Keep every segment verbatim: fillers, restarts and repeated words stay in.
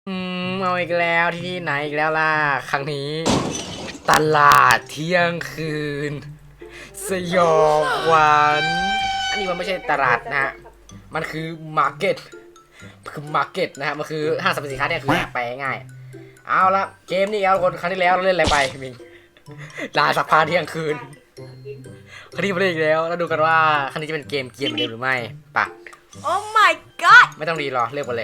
อืมเอาอีกแล้วที่ไหนอีกแล้วล่ะครั้งนี้ตลาดเที่ยงคืนสยองขวัญอันนี้มันไม่ใช่ตลาดนะฮะมันคือมาร์เก็ตคือมาร์เก็ตนะฮะมันคือห้างสรรพสินค้าเนี่ยคือแปลง่ายเอาละเกมนี้เอาคนครั้งที่แล้วเราเล่นอะไรไปมิงลาสักพาเที่ยงคืนครั้งนี้มาเล่นอีกแล้วแล้วดูกันว่าครั้งนี้จะเป็นเกมเกมเดิมหรือไม่ปะโอ้ my god ไม่ต้องรีรอเริ่มกันเลย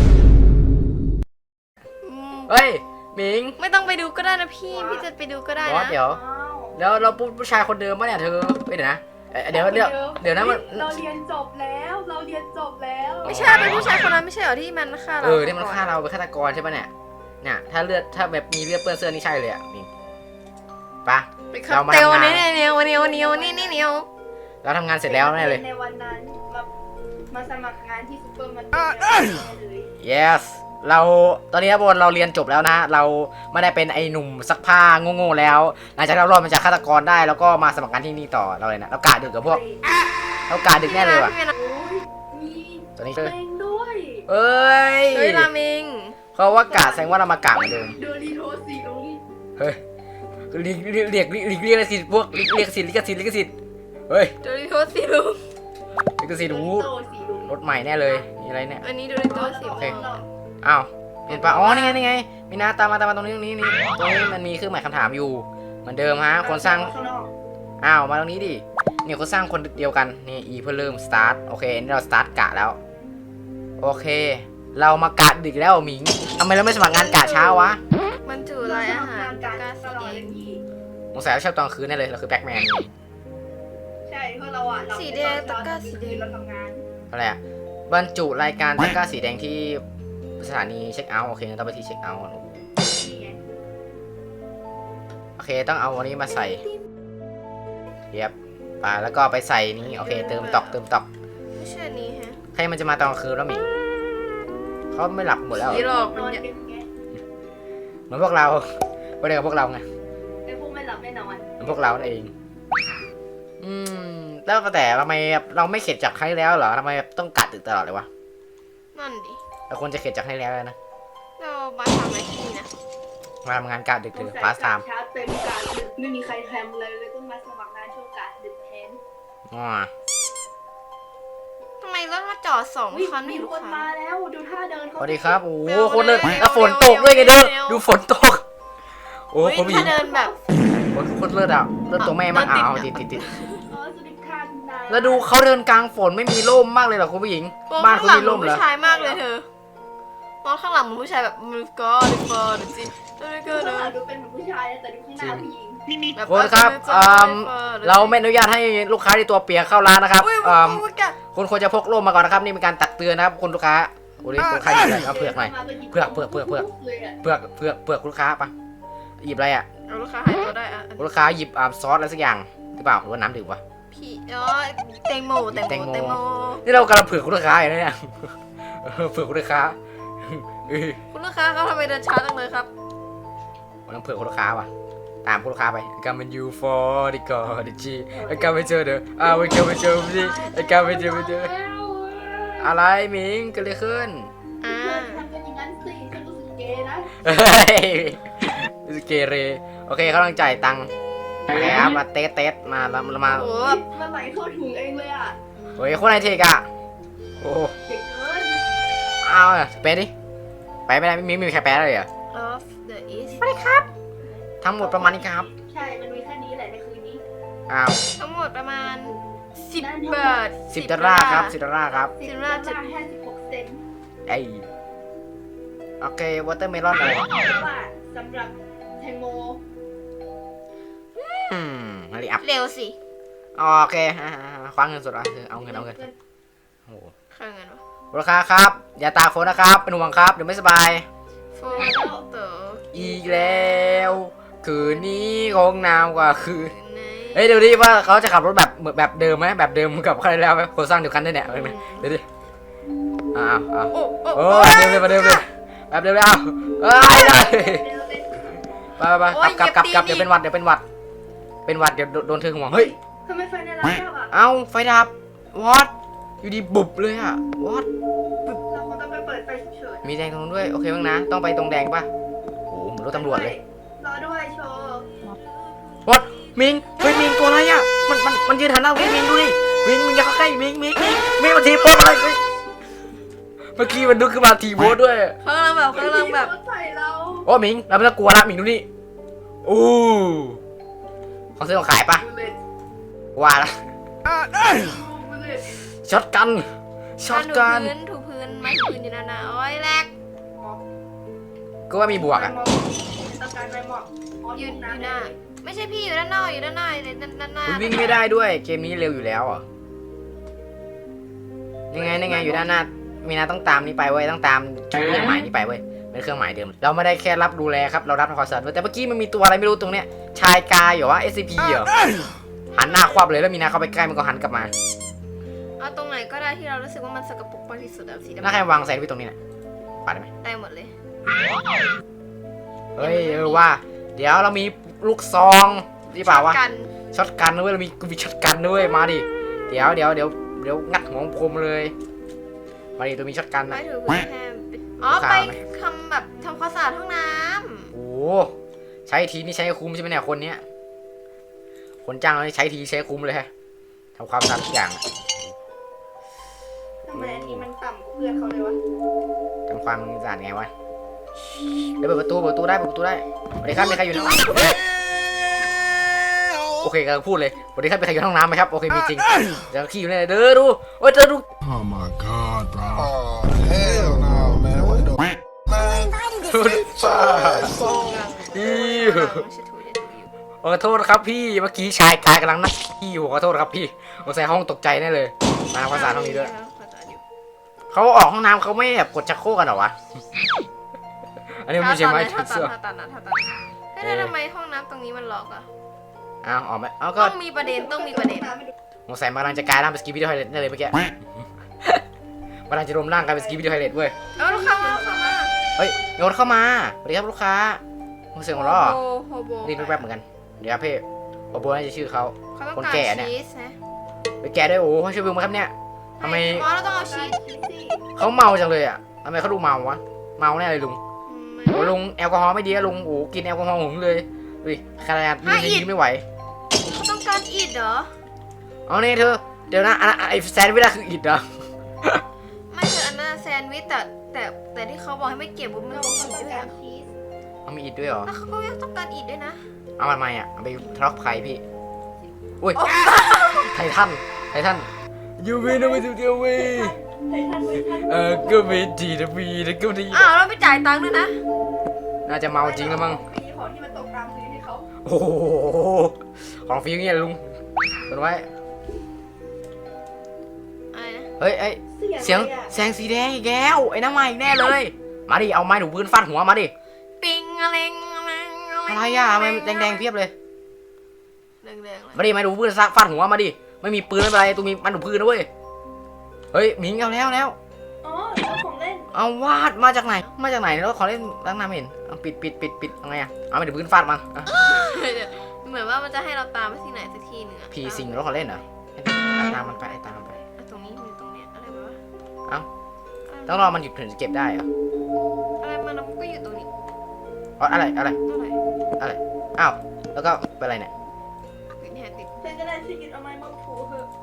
อืมเฮ้ยมิงไม่ต้องไปดูก็ได้นะพี่ พี่จะไปดูก็ได้บอสนะเดี๋ยวแล้วเราผู้ชายคนเดิมปะเนี่ยเธอเดี๋ยวนะเดี๋ยวเดี๋ยวเดี๋ยวนะมันเราเรียนจบแล้วเราเรียนจบแล้วไม่ใช่เป็นผู้ชายคนนั้นไม่ใช่เหรอที่มันฆ่าเราเออที่มันฆ่าเราเป็นฆาตกรใช่ปะเนี่ยเนี่ยถ้าเลือดถ้าแบบมีเลือดเปื้อนเสื้อนี่ใช่เลยอ่ะมิงปะไปคเรารับมาเตลทำงานนี่เนี่ยเนี่ยวันนี้วันนี้วันนี้นี่เนี่ยเราทำงานเสร็จแล้วแน่เลยในวันนั้นมามาสมัครงานที่ซูเปอร์มาร์เก็ตเลย yes เราตอนนี้บนเราเรียนจบแล้วนะเราไม่ได้เป็นไอ้หนุ่มซักผ้าโง่ๆแล้วหลังจากเรารอดมาจากฆาตกรได้แล้วก็มาสมัครงานที่นี่ต่อเราเลยนะเรากะดึกกับพวกเรากะดึกแน่เลยว่ะพี่นะโอ้ยมีตอนนี้เพลงด้วยเอ้ยเฮ้ยราเมงเขาว่ากะแสดงว่าเรามากะเหมือนเดิมโดริโทสีลุงเฮ้ยเรียกเรียกเรียกเรียกเรียกลิขสิทธิ์พวกเรียกเรียกสิทธิ์ลิขสิทธิ์ลิขสิทธิ์เฮ้ยโดริโตะสิลุงลิขสิทธิ์โดหูริโตสีลุงรถใหม่แน่เลยมีอะไรเนี่ยอันนี้โดริโตะสิโอเคม่วงอ้าวเห็นปะอ๋อนี่ไงนี่ไงมีนาตามมาตามมาตรงนี้ตรงนี้นี่ตรงนี้มันมีเครื่องหมายคำถามอยู่เหมือนเดิมฮะคนสร้างข้างนอกอ้าวมาตรงนี้ดิเนี่ยคนสร้างคนเดียวกันนี่ e เพื่อเริ่ม start โอเคนี่เรา start กะแล้วโอเค เรามากะดึกแล้วหมิงทำไมเราไม่สมัครงานกะเช้าวะมันจุรายอาหารการกาตสีลอดแดเลงยพี่สงสัยเราชอบตอนคืนแน่เลยเราคือแบ็คแมนใช่เพราะเราอ่ะเราสีแดงตะกร้าสีแดงเราทำงานอะไรอะบรรจุรายการตะกร้าสีแดงที่สถานีเช็คเอาท์โอเคงั้นต้องไปที่เช็คเอาท์ก่อนนี่ไงโอเคต้องเอาอันนี้มาใส่เย็บไปแล้วก็ไปใส่นี้โอเคเติมตอกเติมตอกไม่ใช่อันนี้ฮะใครมันจะมาตอนกลางคืนแล้วหมิงเขาไม่หลับหมดแล้วผีหลอกนมัอน นเนี่ยดึกไงเหมือนพวกเราไม่ได้กับพวกเราไงไอ้พวกไม่หลับไม่นอนเหมือนพวกเรานั่นเองอืมแล้วแต่ทำไมเราไม่เข็ดจากครั้งที่แล้วเหรอทำไมต้องกัดตึกตลอดเลยวะนั่นดิเราควรจะเข็ดจากครั้งที่แล้วเลยนะเรามาทำอะไรที่นี่นะมาทำงานกะดึกถึงพาสไทม์ชาร์จเต็มกาดดึกไม่มีใครแทำเลยเลยต้องมาสมัครงานช่วงกาดดึกแทนอ๋อทำไมรถมาจอดสองอุ๊ยคันไม่มีรู้คนค่ะมาแล้วดูท่าเดินสเขาวัสดีครับโอ้โหเร็วคนเดินเร็วแล้วฝนเร็วตกด้วยไงเด้อเร็วดูฝนตกโอ้โอ้ยคนผู้หญิถ้าง เดินแบบคนคนเลิศอ่ะเลิศตัวแม่มากเดินอ้าวติติดดติดติดเออสวัสดีค่ะคุณนายแล้วดูเขาเดินกลางฝนไม่มีร่มมากเลยเหรอคุณผู้หญิงบ้านคุณมีร่มเหรอผู้ชายมากเลยเธอมองข้างหลังเหมือนผู้ชายแบบมือก็ดิฟอร์ดจิดูดิดูก็ข้างหลังดูดูเป็นเหมือนผู้ชายนะแต่ดูข้างหน้าผู้หญิงแบบคนครับอืมเราไม่อนุญาตให้ลูกค้าที่ตัวเปียกเข้าร้านนะครับอุ้ยอืมอุ้ยแกคุณควรจะพกร่มมาก่อนนะครับนี่เป็นการตักเตือนนะครับคุณลูกค้าโอ้ยคนใครหยิบอะไรเอาเผือกหน่อย เผือกเผือกเผือกเผือกเลยอะเผือกเผือกเผือกคุณลูกค้าปะหยิบอะไรอ่ะเอาลูกค้าหายตัวได้อะคุณลูกค้าหยิบอ่าซอสอะไรสักอย่างหรือเปล่าหรือว่าน้ำดื่มวะพี่อ๋อแตงโมแตงแตงโมโมแตงโมนี่เรากำลังเผือกคุณลูกค้าอยู่นะเนี่ยเออเผือกคุณลูกค้าเออคุณลูกค้าเขาทำไมเดินช้าจังเลยครับกำลังเผือกคุณลูกค้าว่ะตามคุณลูกค้าไปกำมันยูฟอร์ดิกอดิจีไอ้กำไม่เจอเด้ออ้าวไอ้กำไม่เจอดิไอ้กำไม่เจอไม่เจออะไรหมิงเกิดอะไรขึ้นอ่าเพื่อนทำกันอย่างนั้นสิฉันรู้สึกเกย์นะเฮ้ยรู้สึกเกเรโอเคเขากำลังจ่ายตังค์แล้วมาเตสเตสมาแล้วมาโอ้มาไหลเข้าถุงเองเลยอ่ะเฮ้ยคนไหนเทกอะโอ้เด็กเกินเอาเป๊ะดิไปไม่ได้ไม่มีไม่มีใครแปลเลยเหรอ of the east ทั้งหมดประมาณนี้ครับใช่มันมีแค่นี้แหละในคืนนี้อ้าวทั้งหมดประมาณสิบนั่นบาทสิบดอลลาร์ครับสิบดอลลาร์ครับสิบดอลลาร์ห้าสิบหกเซนต์ไอโอเควอเตอร์เมลอนอะไรเพราะว่าสำหรับแตงโมอืมมาริอัพเร็วสิโอเคอ่าคว้าเงินสดอ่ะเอาเงินเอาเงินโอ้โหค่าเงินวะราคาครับ อย่าตากฝนนะครับเป็นห่วงครับเดี๋ยวไม่สบายโฟโต้อีกแล้วคืนนี้คงหนาวกว่าคืนในเฮ้ยเดี๋ยวดิว่าเขาจะขับรถแบบเหมือนแบบเดิมไหมแบบเดิมกับใครแล้วไหมโครงสร้างเดียวกันได้เนี่ยเห็นไหมเดี๋ยวดิอ้าวอ้าวโอ้โอ้โอ้แบบเดิมเลยแบบเดิมเลยแบบเดิมเลยอ้าวเอ้ยเลยไปไปไปกลับกลับกลับเดี๋ยวเป็นหวัดเดี๋ยวเป็นหวัดเป็นหวัดเดี๋ยวโดนเธอห่วงเฮ้ยทำไมไฟในร้านเราอ่ะเอ้าไฟดับวอตอยู่ดีบุบเลยอะวอตเราคงต้องไปเปิดไฟฉุกเฉินมิมีแดงตรงนู้นด้วยโอเคบ้างนะต้องไปตรงแดงป่ะโอ้โหเหมือนรถตำรวจเลยรอด้วยโชว์วัดมิงเฮ้ยมิงตัวอะไรอ่ะมันมันมันยืนหันหน้ามิงมิงดูดิมิงมิงอย่าเข้าใกล้มิงมิงมิงมิงมันทีโพสอะไรเฮ้ยเมื่อกี้มันดึกขึ้นมาทีโพสด้วยเขากำลังแบบเขากำลังแบบรถใส่เราโอ้มิงเราไม่ต้องกลัวละมิงดูนี่อู้ของซื้อของขายปะบุลเลตว่าละบุลเลตช็อตกันช็อตกันถูพื้นถูพื้นไม้ถูพื้นอยู่นานๆโอ้ยแรกก็ว่ามีบวกอ่ะต้องการไม้หมอกอ๋อยืยืนนอยู่น้ำหน้าไม่ใช่พี่อยู่ด้านนอกอยู่ด้านนอกเลยด้านด้านหน้าคุณวิ่งไม่ได้ด้วยเกมนี้เร็วอยู่แล้วอ่ะยังไงยังไงอยู่ด้านหน้ามีนาต้องตามนี้ไปเว้ยต้องตามเครื่องหมายนี้ไปเว้ยเป็นเครื่องหมายเดิมเราไม่ได้แค่รับดูแลครับเรารับทำความสะอาดด้วยแต่เมื่อกี้มันมีตัวอะไรไม่รู้ตรงเนี้ยชายกายเหรอวะ เอส ซี พี เหรอหันหน้าควับเลยแล้วมีนาเข้าไปใกล้มันก็หันกลับมาเอาตรงไหนก็ได้ที่เรารู้สึกว่ามันสกปรกมากที่สุดอะสีดำน่าใครวางแซนด์วิชตรงนี้น่ะปาดได้ไหมได้หมดเลยเฮ้ยเออว่า เดี๋ยวเรามีลูกซองนี่เปล่าวะกันช็อตกันด้วยเรามีกูมีช็อตกันด้วยมาดิเดี๋ยวเดี๋ยวเดี๋ยวเดี๋ยวงัดหัวคมเลยมาดิตัวมีช็อตกันไม้นะถูพื้นแค่อ๋อไปทำแบบทำความสะอาดห้องน้โอ้ใช้ทีนี่ใช้คุ้มใช่ไหมเนี่ยคนเนี้ยคนจ้างเรานี่ใช้ทีใช้คุ้มเลยฮะทำความสะอาดทุกอย่างทำไมอันนี้มันต่ำกว่าเพื่อนเขาเลยวะทำความสะอาดไงวะเดี๋ยวเปิดประตูเปิดประตูได้เปิดประตูได้สวัสดีครับมีใครอยู่ในห้องโอเคกำลังพูดเลยสวัสดีครับมีใครอยู่ในห้องน้ำไหมครับโอเคมีจริงเดี๋ยวขี้อยู่เนี่ยเด้อดูโอ้ยเจอดู Oh my god, bro. Oh, hell no, man. What the man? ำอีกำลังเช็ดถูเช็ดถูอยู่ขอโทษครับพี่เมื่อกี้ชายกายกำลังนั่งขี้อยู่ขอโทษครับพี่สงสัยห้องตกใจแน่เลยมาทำความสะอาดห้องนี้ด้วยความสะอาดอยู่เขาออกห้องน้ำเขาไม่แบบกดชักโครกกันเหรอวะอันนี้มันไม่ใช่ไม้ถ้าถูตัดเสื้อถ้าตัดนะถ้าตัดเฮ้ยแล้วทำไมห้องน้ำตรงนี้มันล็อกอะอ้าวออกไหมอ้าวก็ต้องมีประเด็นต้องมีประเด็นสงสัยมันกำลังจะกลายร่างเป็นสกีวิดีโอไฮเลตแน่เลยเมื่อกี้มันกำลังจะรวมร่างกลายเป็นสกีวิดีโอไฮเลตเว้ยเอาลูกค้ามาลูกค้ามาเฮ้ยมีคนเข้ามาสวัสดีครับลูกค้ามึงเสียงหัวเราะเหรอโฮโฮโบรีบแป๊บๆเหมือนกันเดี๋ยวครับพี่โอโบน่าจะชื่อเขาเขาต้องคนการแก่เนี่ยชีสนะไปแกะด้วยโอ้โหช่วยบึงมาครับเนี่ยทำไมอ๋อเราต้องเอาชีสเขาเมาจังเลยอ่ะทำไมเขาดูเมาวะเมาแน่เลยลุงอืมโอ้ลุงแอลกอฮอล์ไม่ดีอะลุงโอ้กินแอลกอฮอล์หึงเลยดูดิขนาดยืนยังยืนไม่ไหวเขาต้องการอิดเหรอเอาเนี่ยเธอเดี๋ยวนะอันนั้นไอ้แซนด์วิชคืออิดเหรอไม่ใช่อันนั้นแซนด์วิชแต่แต่แต่ที่เขาบอกให้ไม่เก็บบุ้มไม่เราต้องเขาอิดต้องด้วยการอะชีสเอามีอิดด้วยเหรอแล้วเขาก็ยังต้องการอิดด้วยนะเอามันมาอ่ะเอาไปทะเลาะกับใครพี่อุ้ยไททันไททันยูวีนะไม่ถูกเดียวเว้ยไททันไททันเออก็ไม่ดีนะวีนะก็ดีอ้าวเราไม่จ่ายตังค์ด้วยนะน่าจะเมาจริงแล้วมั้งมีของที่มันตกตามพื้นให้เขาโอ้โหของฟรีเงี้ยลุงกดไว้อะไรนะเฮ้ยเอ้ยเสียงแสงสีแดงอีกแล้วไอ้น้ำใหม่อีกแน่เลยมาดิเอาไม้ถูพื้นฟาดหัวมาดิปิงอะไรอะไรอะไรอ่ะทำไมแดงๆเพียบเลยแดงๆเลยมาดิไม้ถูพื้นฟาดหัวมาดิไม่มีปืนไม่เป็นไรตูมีไม้ถูพื้นนะเว้ยเฮ้ยหมิงเอาแล้วแล้วอ๋อแล้วของเล่นเอาวาดมาจากไหนมาจากไหนแล้วขอเล่นตั้งนานไม่เห็นเอาปิดปิดปิดปิดเอาไงอ่ะเอาไม้ถูพื้นฟาดมันอ่ะเหมือนว่ามันจะให้เราตามไปที่ไหนสักที่หนึ่งอะผีสิงแล้วขอเล่นเหรอตามมันไปตามมันไปอ่ะตรงนี้มันตรงเนี้ยอะไรวะเอ้า ต้องรอมันหยุดถึงจะเก็บได้เหรออะไรมันก็อยู่ตรงนี้อ๋ออะไรอะไรเท่าไหร่อะไรอ้าวแล้วก็เป็นอะไรเนี่ยติดแฮนติดเพื่อนก็ได้ช่วยกินเอาไม้มาถูเถอะ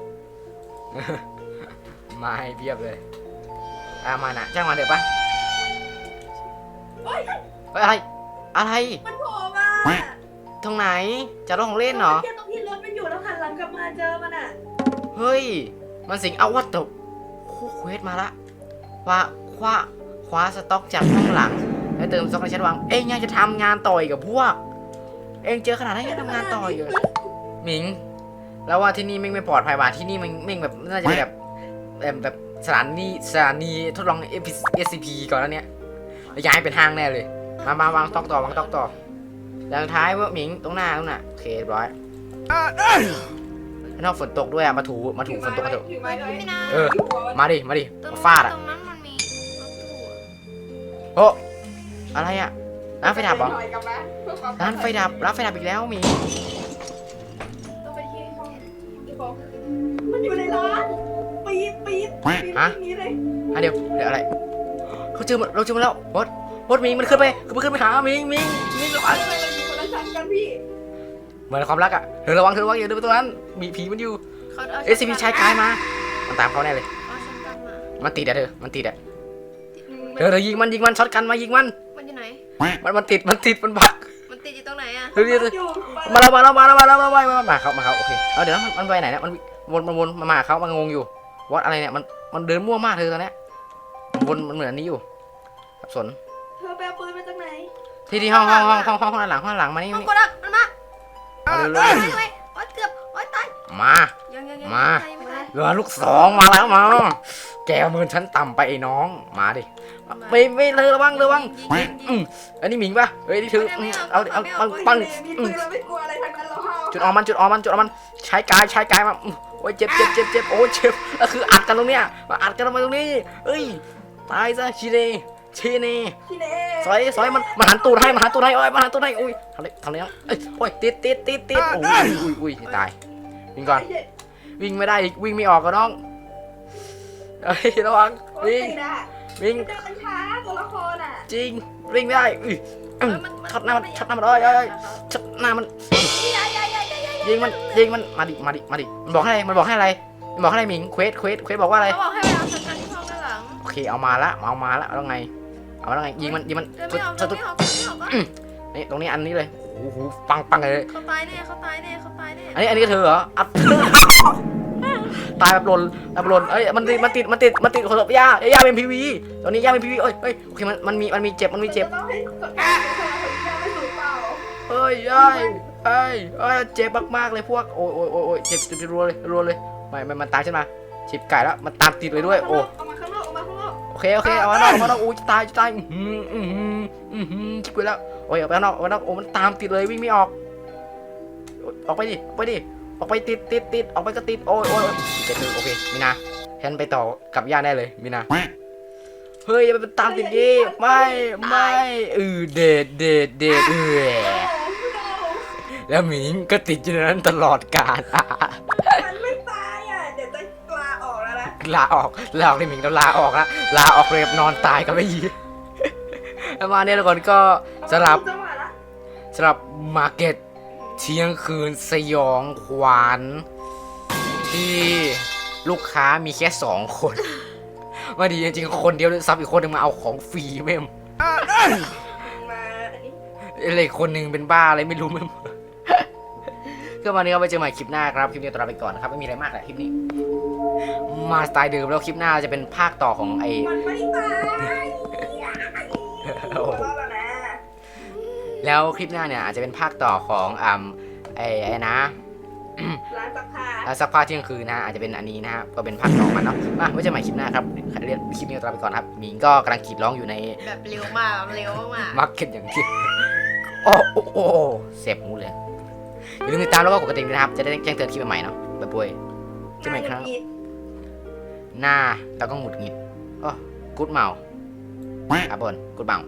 มาให้เพียบเลยอ่ามานะจ้างมาเถอะปะโอ๊ยเฮ้ยอะไรอะไรมันโผล่มาตรงไหนจะรถของเล่นเหรอเทียบตรงที่รถมันอยู่แล้วหันหลังกลับมาเจอมันอ่ะเฮ้ยมันสิงเอาวัตถุคู่เควสมาละว่าคว้าคว้าสต็อกจากข้างหลังแล้วเติมสต็อกในชั้นวางเอ็งยังจะทำงานต่อยกับพวกเอ็งเจอขนาดนั้นยังทำงานต่อยเลยหมิงแล้วว่าที่นี่ไม่ไม่ปลอดภัยว่ะที่นี่มันไม่แบบน่าจะเป็นแบบแบบแบบสถานีสถานีทดลอง เอส ซี พี ก่อนแล้วเนี้ยย้ายเป็นห้างแน่เลยมามาวางต็อกต่อวางต็อกต่ออย่างท้ายว่าหมิงตรงหน้าตรงน่ะโอเคเรียบร้อยข้างนอกฝนตกด้วยอ่ะมาถูมาถูฝนตกกันเถอะถือไม้ด้วยไม่นะเออ มาดิ มาดิตรงมานั้นฟาดอ่ะตรงนั้นมันมีรถตู้อะโอ้อะไรอ่ะ ร้านไฟดับเหรอถอยกลับมาเพื่อความร้านไฟดับ ร้านไฟดับอีกแล้วหมีต้องไปที่ห้องที่บอกมันอยู่ในร้านปี๊ดปี๊ดปี๊ดฮะอย่างนี้เลยอ่ะเดี๋ยว เดี๋ยวอะไรเขาเจอมันเราเจอมันแล้ววอดวอดมิงมันขึ้นไปมันขึ้นไปหามิงมิงมิงระวังทำไมมันมีคนละชั้นกันพี่เหมือนความรักอ่ะเธอระวังเธอระวังอย่าเดินไปตรงนั้นมีผีมันอยู่เขาเอาเอสซีพีชายกายมามันตามเขาแน่เลยเอาฉันกลับมามันติดอะเธอมันติดอะอืมเธอเธอยิงมันยิงมันช็อตกันมายิงมันมันอยู่ไหนมันมันติดมันติดมันบักมันติดอยู่ตรงไหนอะเฮ้ยเดี๋ยวอยู่ไปมาแล้วมาแล้วมาแล้วมาแล้วมาแล้วมามาเขามาเขาโอเคเอาเดี๋ยวนะมันมันไปไหนเนี่ยมันวนมันวนมามาเขามันงงอยู่วัดอะไรเนี่ยมันมันเดินมั่วมากเธอตอนเนี้ยมันวนมันเหมือนอันนี้อยู่สับสนเธอไปเอาปืนมาจากไหนที่ที่ห้องห้องห้องห้องห้องห้องหลังห้องหลังมานี่มันนี่กดอ่ะมันมาเอาเร็วโอ๊ยโอ๊ยโอ๊ยเกือบโอ๊ยตายๆมายังยังยังมายังไม่ตายเรือลูกสองมาแล้วมาแกเอามือฉันต่ำไปไอ้น้องมาดิไม่ไม่เลยระวังระวังยิงยิงอืยิงมอันนี้หมิงปะเฮ้ยนี่ถืออืมเอาเอาเอาปังมีปืนเราไม่กลัวอะไรทั้งนั้นหรอกจุดออกมันจุดออกมันจุดออกมันใช้กายใช้กายมาอืมโอ้ยเจ็บเจ็บเจ็บเจ็บโอ้ยเจ็บก็คืออัดกันตรงเนี้ยมาอัดกันทำไมตรงนี้เอ้ยตายซะชีเนชีเนพี่เน่ซอยซอยมันมันหันตูดให้มันหันตูดให้โอ้ยมันหันตูดให้อุ้ยทำไรทำไรนะเอ้ยโอ้ยติดติดติดติดโอ้ยอุ้ยอุ้ยตายวิ่งก่อนวิ่งไม่ได้อีกวิ่งไม่ออกก็น้องเฮ้ยระวังโอ้ยวิ่งติดอะวิ่งเดินมันช้าตัวละครอ่ะจริงวิ่งไม่ได้อุ้ยเออืมอมันช็อตหน้ามันช็อตหน้ามันเอ้ยเอ้ยเอ้ยช็อตหน้ามันอย่าอย่าอย่าอย่าอย่ายิงมันยิงมันมาดิมาดิมาดิมันบอกให้อะไรมันบอกให้อะไรมันบอกให้อะไรหมิงเควสเควสเควสบอกว่าอะไรเขาบอกให้ไปเอาฉันกันที่ห้องด้านหลังโอเคเอามาละเอามาละแล้วไงเอาแล้วไงยิงมันยิงมันเดินไม่ออกสุเดิดนสุดไม่ออกเดินไม่ออกก็นี่ตรงนี้อันนี้เลยโอ้โหปังปังเลยเขาตายแน่เขาตายแน่เขาตายแน่อันนี้อันนี้ก็เธอเหรออัด ตายแบบหล่นแบบหล่นเอ้ยมันติดมันติดมันติดมันติดขนมย่าย่าเป็นพีวีตอนนี้ย่าเป็นพีวีเอ้ยเอ้ยโอเคมันมันมีมันมีเจ็บมันมีเจ็บต้องให้กดการเป็นคนละคนที่ไม่ถูกเปล่าเอ้ยเอ้ยเอ้ยเอ้ยเจ็บมากๆเลยพวกโอ้ยโอ้ยโอ้ยโอ้ยเจ็บเจ็บรัวเลยรัวเลยไม่ไม่มันตามฉันมาชิบไก่แล้วมันตามติดเลยด้วยโอ้เอามาข้างนอกเอามาข้างนอกโอเคโอเคเอามานอกเอามานอกอู้จะตายจะตายอืมอืมอืมอืมชิบไปแล้วโอ้ยเอาไปข้างนอกเอาไปข้างนอกโอ้มันตามติดเลยวิ่งไม่ออกออกไปดิออกไปดิออกไปติดติดติดออกไปก็ติดโอ้ยโอ้ยเจ็บเลยโอเคมีนาฉันไปต่อกับย่าได้เลยมีนาเฮ้ยอย่าไปตามติดดิไม่ไม่เออเด็ดเด็ดเด็ดเออแล้วหมิงก็ติดอยู่ในนั้นตลอดกาลมันไม่ตายอ่ะเดี๋ยวจะลาออกแล้วนะลาออกลาออกที่หมิงต้องลาออกละลาออกเลยกับนอนตายก็ไม่ยีแล้วมาเนี่ยทุกคนก็สำหรับจังหวะละสำหรับมาร์เก็ตเที่ยงคืนสยองขวัญที่ลูกค้ามีแค่สองคนมาดีจริงๆคนเดียวเลยซับอีกคนหนึงมาเอาของฟรีเมมมาอันนี้อะไรคนหนึ่งเป็นบ้าอะไรไม่รู้เมม ก็วันนี้ก็ไปเจอใหม่คลิปหน้าครับคลิปนี้ตัวลาไปก่อนนะครับไม่มีอะไรมากแหละคลิปนี้ มาสไตล์เดิมแล้วคลิปหน้าจะเป็นภาคต่อของไอมันไม่ตายโอ้โหหัวเราะแล้วนะแล้วคลิปหน้าเนี่ยอาจจะเป็นภาคต่อของอ่าไอไอ้นะร้านซักผ้าแล้วสักผ้าเที่ยงคืนนะฮะอาจจะเป็นอันนี้นะฮะก็เป็นภาคต่อมันเนาะมาไว้เจอใหม่คลิปหน้าครับเรียนคลิปนี้ตัวลาไปก่อนครับหมิงก็กำลังกรีดร้องอยู่ในแบบเร็วมากเร็วมากมาร์เก็ตอย่างที่ โอ้โอ้โอ้เสียบหูเลยอย่าลืมติดตามแล้วก็กดกระดิ่งด้วยนะครับจะได้แจ้งเตือนคลิปใหม่ๆเนาะแบบป่วยเจอใหม่ครับหน้าแล้วก็หงุดหงิดโอ้กูดเมาอ่ะบนกูดเมา